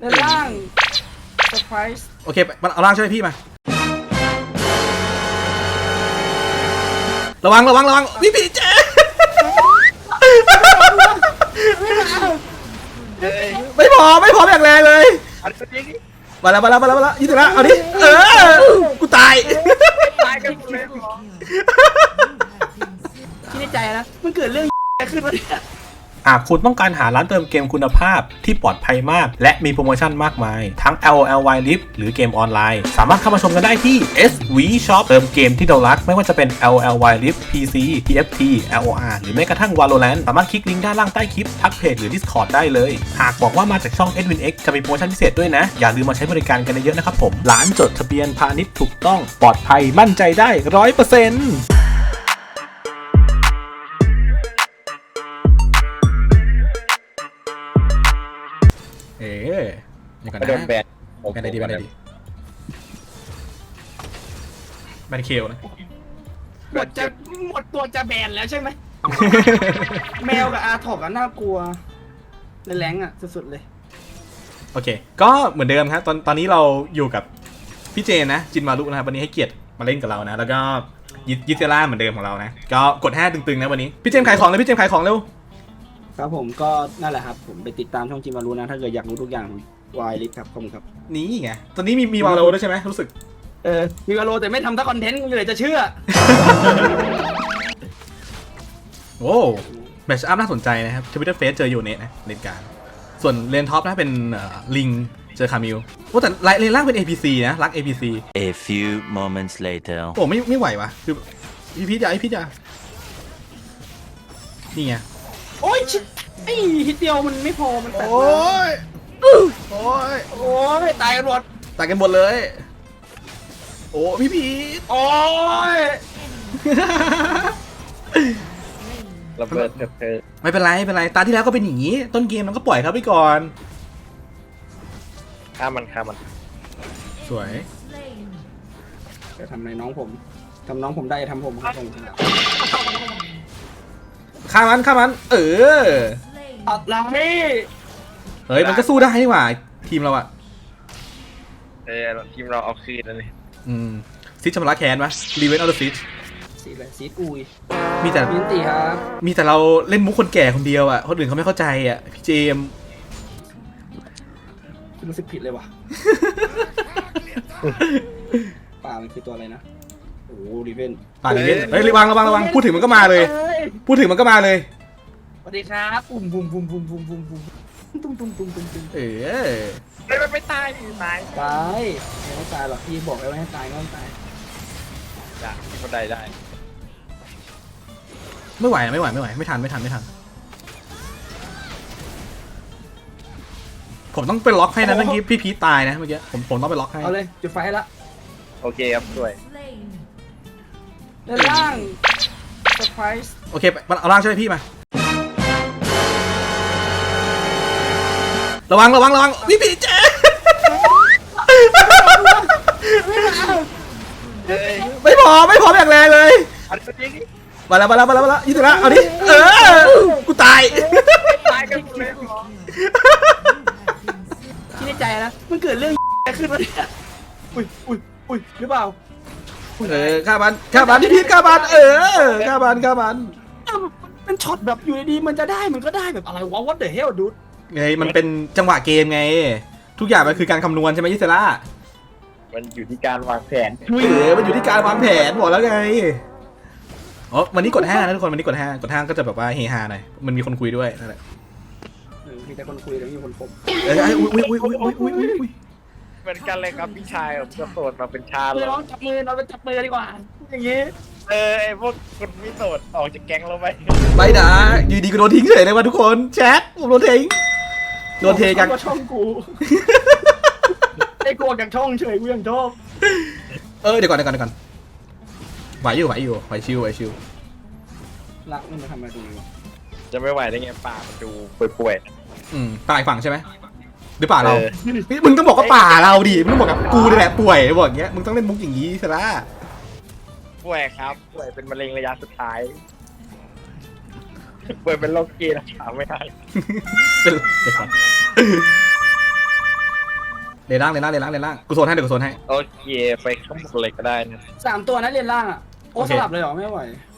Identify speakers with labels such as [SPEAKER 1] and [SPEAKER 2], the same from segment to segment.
[SPEAKER 1] ด้านล่างเซอร์ไพรส์
[SPEAKER 2] โอเคเอาล่างช่วยพี่มาระวังพี่เจไม่พออย่างแรงเลยมาแล้วยิงถึงแล้วเอาดิกูตาย
[SPEAKER 1] กันเลยคิดในใจนะมันเกิดเรื่องขึ้นมาเนี่ย
[SPEAKER 2] หากคุณต้องการหาร้านเติมเกมคุณภาพที่ปลอดภัยมากและมีโปรโมชั่นมากมายทั้ง LOL Wildrift หรือเกมออนไลน์สามารถเข้ามาชมกันได้ที่ SV Shop เติมเกมที่เรารักไม่ว่าจะเป็น LOL Wildrift PC TFT LOR หรือแม้กระทั่ง Valorant สามารถคลิกลิงก์ด้านล่างใต้คลิปทักเพจหรือ Discord ได้เลยหากบอกว่ามาจากช่อง EdwinX จะมีโปรโมชั่นพิเศษด้วยนะอย่าลืมมาใช้บริการกันเยอะๆนะครับผมร้านจดทะเบียนพาณิชย์ถูกต้องปลอดภัยมั่นใจได้ 100%อย่างกันนะ
[SPEAKER 3] แบน
[SPEAKER 2] แบนไหนดีแบนเคลนะ
[SPEAKER 1] หมดตัวจะแบนแล้วใช่ไหม แมวกับอาถอกน่ากลัวในแรงสุดๆเลย
[SPEAKER 2] โอเคก็เหมือนเดิมครับตอนนี้เราอยู่กับพี่เจนนะจินมารุนะครับวันนี้ให้เกียรติมาเล่นกับเรานะแล้วก็ยิเซล่าเหมือนเดิมของเรานะก็กด5ตึงๆนะวันนี้พี่เจมขายของเลยพี่เจมขายของเร็ว
[SPEAKER 1] ครับผมก็นั่นแหละครับผมไปติดตามช่องจินมารุนะถ้าเกิดอยากรู้ทุกอย่างวายลิฟครับขอบคุณครับ
[SPEAKER 2] นี่ไงตอนนี้มีวาโลด้วยใช่ไหมรู้สึก
[SPEAKER 1] มีวาโลแต่ไม่ทำทั้งคอนเทนต์กูเลยจะเชื่อ
[SPEAKER 2] โอ้แมชอัพน่าสนใจนะครับทวิตเตอร์เฟซเจอยูเนตนะเลนกลางส่วนเลนท็อปนะเป็นลิงเจอคามิลโอ้แต่เลนล่างเป็น APC นะรัก APC
[SPEAKER 4] A few moments later
[SPEAKER 2] โอ้ไม่ไหววะคือพี่จ๋านี่ไง
[SPEAKER 1] โอ้ยไอ้ฮิตเดียวมันไม่พอมันแตกโอ้ยตายกันหม
[SPEAKER 2] ดเลยโอ้พี่พีท
[SPEAKER 1] โอ้ย
[SPEAKER 3] ระเบิดเธอ
[SPEAKER 2] ไม่เป็นไรตาที่แล้วก็เป็นอย่างนี้ต้นเกมมันก็ปล่อยเขาไปก่อน
[SPEAKER 3] ฆ่ามัน
[SPEAKER 2] สวย
[SPEAKER 1] จะทำอะไรน้องผมทำน้องผมได้ทำผมครับผม
[SPEAKER 2] ฆ่ามัน
[SPEAKER 1] อะไร
[SPEAKER 2] เฮ้ยมันก็สู้ได้นี่หว่าทีมเราอะ
[SPEAKER 3] ทีมเราเอาคืนแล้วนี่
[SPEAKER 2] ซิชชำระแค้นวะรีเวนออร์ซิช
[SPEAKER 1] ซีดอุย
[SPEAKER 2] มีแต่
[SPEAKER 1] มินตีครับ
[SPEAKER 2] มีแต่เราเล่นมุกคนแก่คนเดียวอะคนอื่นเขาไม่เข้าใจอะพี่เจม
[SPEAKER 1] รู้สึกผิดเลยว่ะป่ามันคือตัวอะไรนะโอ้รีเวน
[SPEAKER 2] ป่ารีเวนเฮ้ยระวังพูดถึงมันก็มาเลยสวั
[SPEAKER 1] สดีครับปุ่ม
[SPEAKER 3] ไม่ตาย
[SPEAKER 1] ไม่ตายหรอกพี่บอกแล้วไม่ให้ตายก็ไม่ตาย
[SPEAKER 3] จ้ะก็ได้
[SPEAKER 2] ไม่ไหวไม่ทันผมต้องไปล็อกให้นะเมื่อกี้พี่พีทตายนะเมื่อกี้ผมต้องไปล็อกให้
[SPEAKER 1] เอาเลยจุดไฟให้ละ
[SPEAKER 3] โอเคครับด้วย
[SPEAKER 1] ด้านล่างเซอร์ไพรส์
[SPEAKER 2] โอเคเอาล่างช่วยพี่มาระวังพี่เจไม่พออย่างแรงเลยมาแล้วยิงถึงแล้วเอาดิกูตาย
[SPEAKER 3] กันเลย
[SPEAKER 1] คิดในใจนะมันเกิดเรื่องขึ้นมาเนี่ยอุ้ยหรือเปล่า
[SPEAKER 2] ฆ่ามันพี่พีทฆ่ามันฆ่ามัน
[SPEAKER 1] มันช็อตแบบอยู่ดีๆมันจะได้มันก็ได้แบบอะไรวะ what the hell dude
[SPEAKER 2] ไงมันเป็นจังหวะเกมไงทุกอย่างมันคือการคำนวณใช่ไหมยิเซล่า
[SPEAKER 3] มันอยู่ที่การวางแผน
[SPEAKER 2] มันอยู่ที่การวางแผนบอกแล้วไงอ๋อวันนี้กด5นะทุกคนวันนี้กด5ก็จะแบบว่าเฮฮาหน่อยมันมีคนคุยด้วยนั่นแหละ
[SPEAKER 1] มีแต่คนคุยแล้วมีคนคบ
[SPEAKER 2] อุ้ย
[SPEAKER 3] เหมือนกันเลยครับพี่ชายผมจะโสดมาเป็นชาเลย
[SPEAKER 1] น้องจับมือเราไปจับมือดีกว่าอย่างงี้
[SPEAKER 3] ไอ้พวกคนไม่โสดออกจากแก๊งเราไป
[SPEAKER 2] ไม่นะอยู่ดีก็โดนทิ้งเฉยเลยว่ะทุกคนแชทผมโดนทิ้งกัน
[SPEAKER 1] ช่องกูไอ้กลัวกับช่องเฉยกูยังชอบ
[SPEAKER 2] เดี๋ยวก่อนไหวอยู่ไหวชิว
[SPEAKER 1] รักมันมาทำอะไรตรงนี้วะ
[SPEAKER 3] จะไม่ไหวได้ไงป่ามันดูป่วย
[SPEAKER 2] ป่าอีกฝั่งใช่ไหมหรือป่าเรามึงต้องบอกว่าป่าเราดิมึงบอกกับกูนี่แหละป่วยบอกอย่างเงี้ยมึงต้องเล่นมุกอย่างนี้ซะละ
[SPEAKER 3] ป่วยครับป่วยเป็นมะเร็งระยะสุดท้ายป่วยเป็นโรคกีรักษาไม่ได้
[SPEAKER 2] เป็นก่อนเลนล่างกูโซนให้เดี๋ยวกูโซนให้
[SPEAKER 3] โอเคไปข้างบนเลยก็ได้นะ
[SPEAKER 1] 3 ตัวนะเรียนล่างอ่ะโอ้
[SPEAKER 2] โอเค
[SPEAKER 1] สลับเลยเหรอไม่ไหว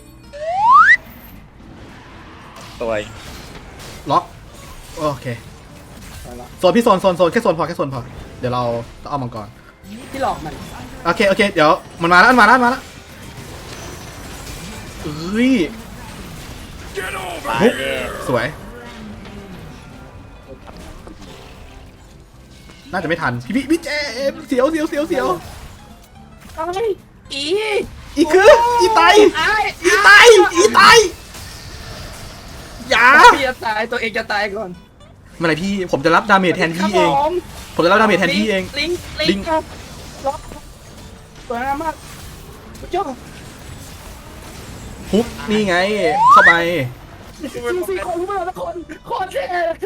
[SPEAKER 3] ตัว
[SPEAKER 2] ล็อกโอเค
[SPEAKER 1] ไปละ
[SPEAKER 2] โซนพี่โซนแค่โซนพอเดี๋ยวเราเอามังกร
[SPEAKER 1] พี่หลอกมัน
[SPEAKER 2] โอเคเดี๋ยวมันมาแล้วเอ้ย
[SPEAKER 3] ตาย
[SPEAKER 2] ปุ๊บ
[SPEAKER 3] แน่
[SPEAKER 2] สวยน่าจะไม่ทันพี่เจมเสียว
[SPEAKER 1] ไอ้อี
[SPEAKER 2] อีคืออีไต
[SPEAKER 1] ไอ้
[SPEAKER 2] อีไตอย่า
[SPEAKER 1] พี่จะตายตัวเองจะตายก่อน
[SPEAKER 2] เมื่อไหร่พี่ผมจะรับดาเมจแทนพี่เอง ผมจะรับดาเมจแทนพี่เอง
[SPEAKER 1] ลิงครับล็อกสวยงามมากเจ้า
[SPEAKER 2] ฮุกนี่ไงเข้าไป
[SPEAKER 1] สี่คนรู้ไหมละคนโคตรเท่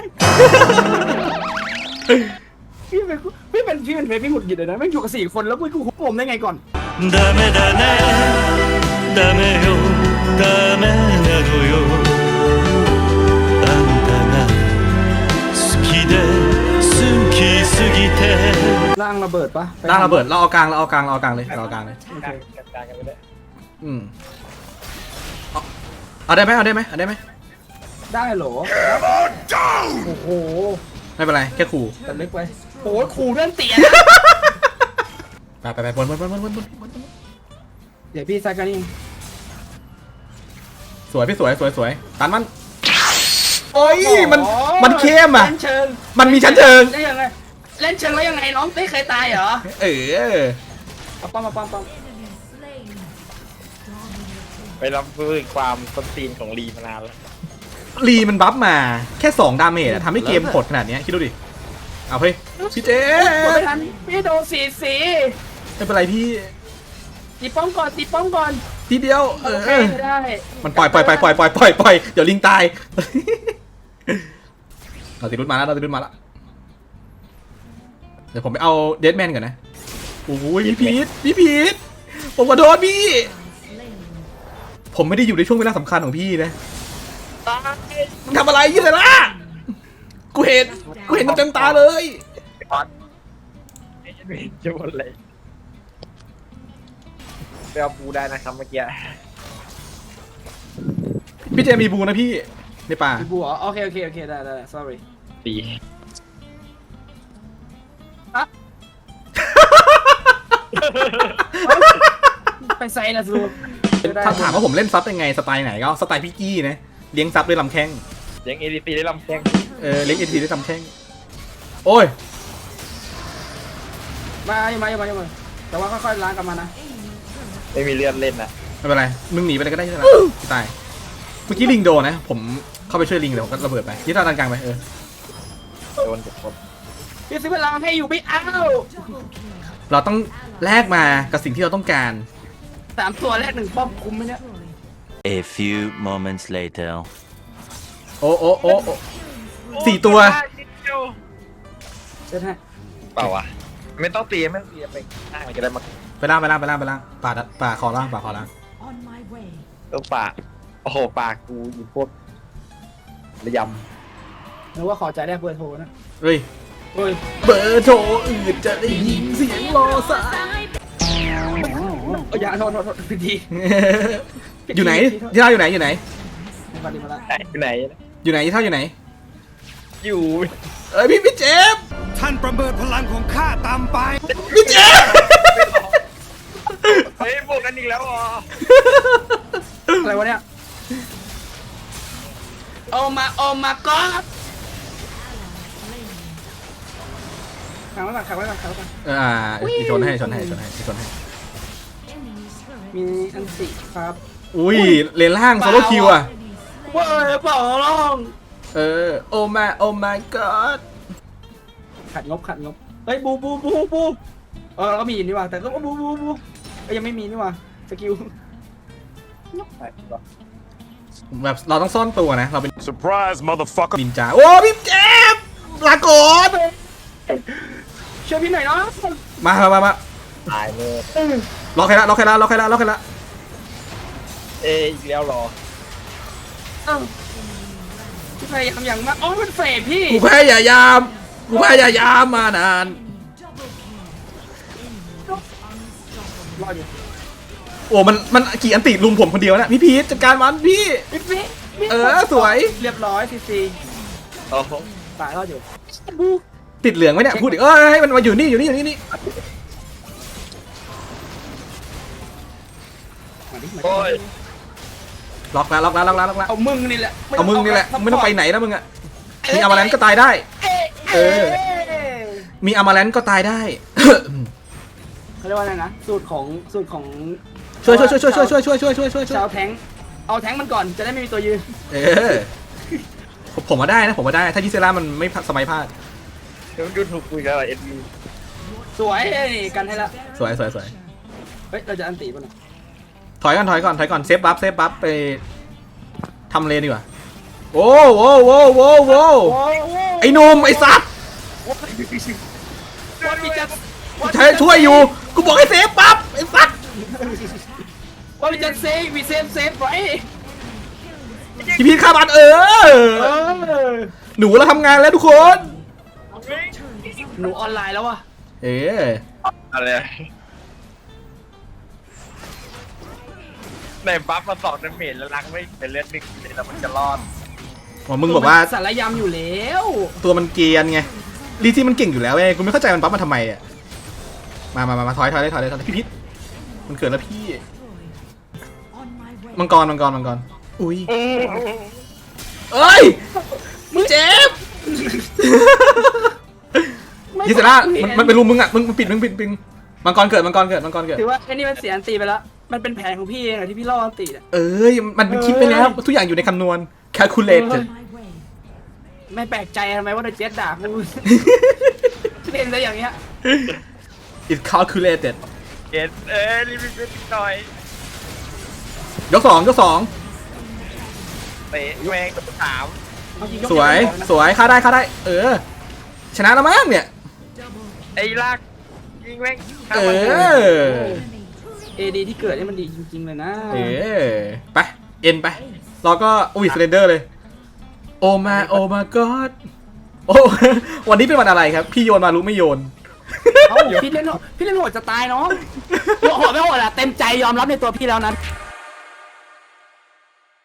[SPEAKER 1] พี่เป็นพี่หงุดหงิดเลยนะไม่อยู่กับ4 คนแล้วกูผมได้ไงก่อน
[SPEAKER 4] ダメだねダメよダメなのよあんたが好きで好きすぎて
[SPEAKER 1] ร่างระเบิดปะ
[SPEAKER 2] ร่างระเบิดเราเอากลางเลย
[SPEAKER 3] กลางกันไปได้
[SPEAKER 2] เอาได้ไหม
[SPEAKER 1] ได้เหรอโอ้โห
[SPEAKER 2] ไม่เป็นไรแค่ขู่
[SPEAKER 1] แต่เล็กไปโอ้ยขู่เรื่องเตียน
[SPEAKER 2] ไปบน
[SPEAKER 1] เดี๋ยวพี่ซักกันนี่
[SPEAKER 2] สวยพี่สวยตันมันโอ้ยมันเข้มอ่ะ
[SPEAKER 1] เล่นเชิง
[SPEAKER 2] มันมีชั้นเชิง
[SPEAKER 1] ได้ยังไงเล่นเชิงแล้วยังไงน้องไม่เคยตายเหรอ
[SPEAKER 2] เออ
[SPEAKER 1] เอาป้อม
[SPEAKER 3] ไปรับรู้ถึงความต้นตีนของลีมานานแล้ว
[SPEAKER 2] ลีมันบัฟมาแค่2 ดาเมจอะทำให้เกมโหดขนาดเนี้ยคิดดูดิเอาเฮ้ยพี่เจ
[SPEAKER 1] กดไม่ทันพี่โดนสี
[SPEAKER 2] ไม่เป็นไรพี่
[SPEAKER 1] ตีป้อมก่อน
[SPEAKER 2] ทีเดียว
[SPEAKER 1] โอเคได้
[SPEAKER 2] มันปล่อยเดี๋ยวลิงตาย เราติดรุดมาแล้วเดี๋ยวผมไปเอาเดดแมนก่อนนะโอ้ยพี่พีทผมขอโทษพี่ ผมไม่ได้อยู่ในช่วงเวลาสำคัญของพี่นะ
[SPEAKER 3] ตาย
[SPEAKER 2] มึงทำอะไรยี่เลยล่ะกูเห็นเต็มตาเลย
[SPEAKER 3] ออนไม่จะหมดเลยไปเอาปูได้นะครับเมื่อกี้
[SPEAKER 2] พี่เจมีบูนะพี่ในป่า
[SPEAKER 1] พี่บัวโอเคได้ sorry
[SPEAKER 3] ตี
[SPEAKER 1] ไปไซน์นะซู
[SPEAKER 2] ถ้าถามว่าผมเล่นซับยังไงสไตล์ไหนก็สไตล์พี่กี้นะเลี้ยงซับด้วยลำแข้ง
[SPEAKER 3] ยังเอดีซีได้ลำแข้ง
[SPEAKER 2] เลี้ยงเอ็นทีด้วยลำแข้งโอ้ย
[SPEAKER 1] มาแต่ว่าค่อยๆล้างกลับมานะ
[SPEAKER 3] ไม่มีเลือดเล่นอ่ะ
[SPEAKER 2] ไม่เป็นไรมึงหนีไปเลยก็ได้ใช่ไหมพี่ตายเมื่อกี้ลิงโดนนะผมเข้าไปช่วยลิงเดี๋ยวผมก็ระเบิดไปยี่ท่าตันกลางไป
[SPEAKER 3] โดนเด็กคน
[SPEAKER 1] พี่ซื้อเวลาให้อยู่ไม่เอา
[SPEAKER 2] เราต้องแลกมากับสิ่งที่เราต้องการ
[SPEAKER 1] 3 ตัวแรก1 ป้อมคุ้มไหมเนี่ย
[SPEAKER 4] A few moments later
[SPEAKER 2] โอ้4 ตัว
[SPEAKER 1] เชิญให้
[SPEAKER 3] เปล่าวะไม่ต้องตีไปข้างมันจะได้มา
[SPEAKER 2] ไปล่างป่าคอล่าง
[SPEAKER 3] ต้องปากโอ้โหปากกูอยู่พวกระย
[SPEAKER 1] นึกว่าขอใจแรกเบอร์โทรนะ
[SPEAKER 2] เฮ้ย
[SPEAKER 1] เฮ้ย
[SPEAKER 2] เบอร์โทรอื่นจะได้ยินเสียงรอสาย
[SPEAKER 1] อย่าโทษพี่ที
[SPEAKER 2] อยู่ไหนที่ท่าอยู่ไหน
[SPEAKER 1] มาละ
[SPEAKER 3] ำอยู่ไหน
[SPEAKER 2] ที่ท่าอยู่ไหน
[SPEAKER 3] อยู่
[SPEAKER 2] เอ้ยพี่เจฟ
[SPEAKER 5] ท่านประเมินพลังของข้าตามไป
[SPEAKER 2] พี่เจฟ
[SPEAKER 3] เฮ้ยบวกกันอีกแล้วอ๋อ
[SPEAKER 1] อะไรวะเนี่ยโอมาก็ขังไว้ก่อน
[SPEAKER 2] ชนให้
[SPEAKER 1] มีอันติครับ
[SPEAKER 2] อุ้ยเลนล่างโซโลคิวอ่ะ
[SPEAKER 1] เว้ยเปล่าร้อง
[SPEAKER 2] โอมาก็อด
[SPEAKER 1] ขัดงบเฮ้ยบูเราก็มีนี่ว่าแต่ก็บูยังไม่มีนี่ว่าสกิล
[SPEAKER 2] แบบเราต้องซ่อนตัวนะเราเป็น
[SPEAKER 5] Surprise motherfucker
[SPEAKER 2] นินจาโอ้พี่เจฟลาโกด
[SPEAKER 1] ช่วยพี่หน่อยเนาะ
[SPEAKER 2] มา
[SPEAKER 3] ตายเลย
[SPEAKER 2] ล็อกให้ละ
[SPEAKER 3] อีกแล้วหรอ
[SPEAKER 1] พี่พยายามอย่างมากอ๋อมันเฟรพี่
[SPEAKER 2] กูพยายามมานาน
[SPEAKER 1] รอดอยู่
[SPEAKER 2] โอ้มันกี่อันติลุมผมคนเดียวนะพี่พีชจัดการมันพี่
[SPEAKER 1] พี่พี่พี่
[SPEAKER 2] สวย
[SPEAKER 1] เรียบร้อยซีซี
[SPEAKER 3] โอ้โห
[SPEAKER 1] ตายรอดอยู่บู
[SPEAKER 2] ติดเหลืองไหมเนี่ยพูดดิให้มันมาอยู่นี่นี่
[SPEAKER 1] มาดิมา
[SPEAKER 3] โอ้ย
[SPEAKER 1] ดิ
[SPEAKER 2] ล็อกแล้ว
[SPEAKER 1] เอามึงนี่แหละ
[SPEAKER 2] เอามึงนี่แหละ
[SPEAKER 1] ซัพพร์ต
[SPEAKER 2] ไม่ต้องไปไหนแล้วมึงอะมีอามาแลนก็ตายได้ เออ มีอามาแลนก็ตายได้
[SPEAKER 1] เขาเรียกว่าอะไรนะสูตรของ
[SPEAKER 2] ช่วย
[SPEAKER 1] ชาวแทงค์เอาแทงค์มันก่อนจะได้ไม่มีตัวยืน
[SPEAKER 2] เออผมมาได้นะผมมาได้ถ้ายิเซล่ามันไม่สมัยพลาด
[SPEAKER 3] เดี๋ยวดูถูกคุยกันอะไรเอ็ดวี
[SPEAKER 1] สวยนี่กันให้ละ
[SPEAKER 2] สวย
[SPEAKER 1] เฮ้ยเราจะอันตีป่ะน่ะ
[SPEAKER 2] ถอยก่อนเซฟบัฟไปทำเลนดีกว่าโอ้โหไอ้หนุ่มไอ้ซับ
[SPEAKER 1] ว่ามีจะ
[SPEAKER 2] ช่วยอยู่กูบอกให้เซฟบัฟไอ้ซับ
[SPEAKER 1] ว่ามีจะเซฟมีเซฟไว้
[SPEAKER 2] พี่พีทฆ่ามันหนูเราทำงานแล้วทุกคน
[SPEAKER 1] หนูออนไลน์แล้วอะ
[SPEAKER 3] อะไรในบัฟมา2ดาเมจแล้วล้างไม่เป็นเลือด1เลยแล้วมันจะรอด
[SPEAKER 2] มึงบอกว่า
[SPEAKER 1] สารยำอยู่แล้ว
[SPEAKER 2] ตัวมันเกรียนไงรีที่มันเก่งอยู่แล้วเว้ยกูไม่เข้าใจมันปั๊บมาทำไมอ่ะมาถอยพี่พิษมันเกิดแล้วพี่มังกรอุ้ยเอ้ยมึงเจ็บยิสระมันเป็นรูมึงอ่ะมึงปิดมังกรเกิด
[SPEAKER 1] ถือว่าไอ้นี่มันเสียอันตีไปแล้วมันเป็นแผนของพี่เองอะที่พี่ล่ออันตีอะ
[SPEAKER 2] มันคิดไปแล้วทุกอย่างอยู่ในคำนวณ calculate
[SPEAKER 1] ไม่แปลกใจทำไมว่าโดนเจ็ดด่ากูเล่นซะอย่างเงี้ย
[SPEAKER 2] it's calculated
[SPEAKER 3] เกตรีบๆหน่อย
[SPEAKER 2] ยกสอง
[SPEAKER 3] เตะแมงถาม
[SPEAKER 1] เอาจริงยก
[SPEAKER 2] สวยฆ่าได้ชนะแล้วมั้งเนี่ย
[SPEAKER 3] ไอ้ลากยิงแมง
[SPEAKER 1] เอดีที่เกิดนี่มันดีจริงๆเลยนะ
[SPEAKER 2] ไปเอ็นไปเราก็อุ้ยสเลนเดอร์เลยโอมาก็อดโอ้วันนี้เป็นวันอะไรครับพี่โยนมารู้ไม่โยน
[SPEAKER 1] พี่เล่นโหดจะตายน้องโหดไม่โหดอะเต็มใจยอมรับในตัวพี่แล้วนั้น